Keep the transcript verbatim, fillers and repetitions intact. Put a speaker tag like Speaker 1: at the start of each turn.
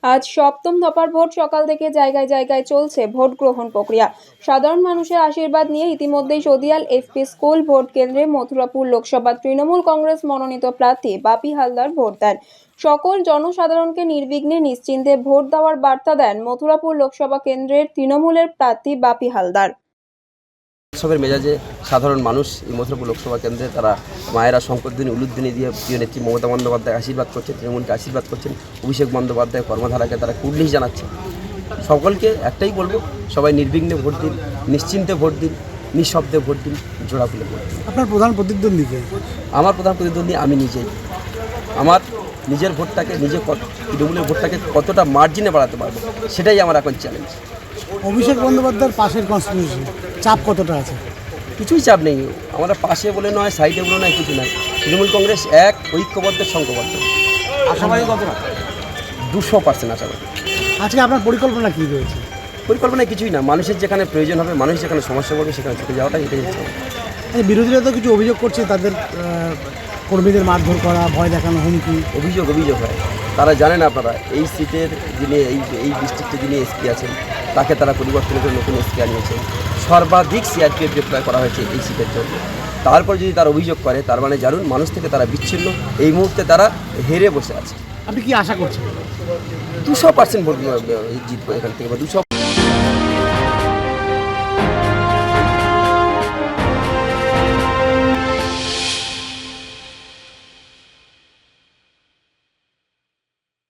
Speaker 1: আজ সপ্তম দফার ভোট সকাল থেকে জায়গায় জায়গায় চলছে ভোট গ্রহণ প্রক্রিয়া। সাধারণ মানুষের আশীর্বাদ নিয়ে ইতিমধ্যেই সদিয়াল এফপি স্কুল ভোট কেন্দ্রে মথুরাপুর লোকসভা তৃণমূল কংগ্রেস মনোনীত প্রার্থী বাপি হালদার ভোট দেন। সকল জনসাধারণকে নির্বিঘ্নে নিশ্চিন্তে ভোট দেওয়ার বার্তা দেন মথুরাপুর লোকসভা কেন্দ্রের তৃণমূলের প্রার্থী বাপি হালদার।
Speaker 2: উৎসবের মেজাজে সাধারণ মানুষ এই মথুরাপুর লোকসভা কেন্দ্রে তারা মায়েরা শঙ্করধ্বনি উলুধ্বনি দিয়ে প্রিয় নেত্রী মমতা বন্দ্যোপাধ্যায় আশীর্বাদ করছেন, তৃণমূলকে আশীর্বাদ করছেন, অভিষেক বন্দ্যোপাধ্যায় কর্মধারাকে তারা কুর্নিশ জানাচ্ছে। সকলকে একটাই বলবো, সবাই নির্বিঘ্নে ভোট দিন, নিশ্চিন্তে ভোট দিন, নিঃশব্দে ভোট দিন, জোড়া খুলে ভোট দিন।
Speaker 3: আপনার প্রধান প্রতিদ্বন্দ্বী কে?
Speaker 2: আমার প্রধান প্রতিদ্বন্দ্বী আমি নিজেই। আমার নিজের ভোটটাকে, নিজে তৃণমূলের ভোটটাকে কতটা মার্জিনে বাড়াতে পারবো, সেটাই আমার এখন চ্যালেঞ্জ।
Speaker 3: অভিষেক বন্দ্যোপাধ্যায়ের পাশের কনস্টিটিউশন চাপ কতটা আছে?
Speaker 2: কিছুই চাপ নেই, আমরা পাশে বলে নয়, সাইডে বলে নয়, কিছু নয়। তৃণমূল কংগ্রেস এক, ঐক্যবদ্ধ, সংঘবদ্ধ।
Speaker 3: আশাবাদী কতটা?
Speaker 2: দুশো পার্সেন্ট আশাবাদী।
Speaker 3: আজকে আপনার পরিকল্পনা কী রয়েছে?
Speaker 2: পরিকল্পনায় কিছুই না, মানুষের যেখানে প্রয়োজন হবে, মানুষ যেখানে সমস্যা করবে সেখানে ছুটে যাওয়াটাই এটাই হচ্ছে।
Speaker 3: এই বিরোধীরা তো কিছু অভিযোগ করছে, তাদের আহ, কর্মীদের মারধর করা, ভয় দেখানো, হুমকি।
Speaker 2: অভিযোগ অভিযোগ হয়, তারা জানেন আপনারা এই সিটের যিনি এই এই ডিস্ট্রিক্টে যিনি এসপি আছেন তাকে তারা পরিবর্তন করে নতুন এসপি আনিয়েছেন। সর্বাধিক সিআরপিএফ ডিপ্লয় করা হয়েছে এই সিটের জন্য। তারপর যদি তার অভিযোগ করে, তার মানে জানুন মানুষ থেকে তারা বিচ্ছিন্ন, এই মুহূর্তে তারা হেরে বসে আছে।
Speaker 3: আপনি কি আশা করছেন?
Speaker 2: দুশো পার্সেন্ট ভোট জিতবো এখান থেকে, বা দুশো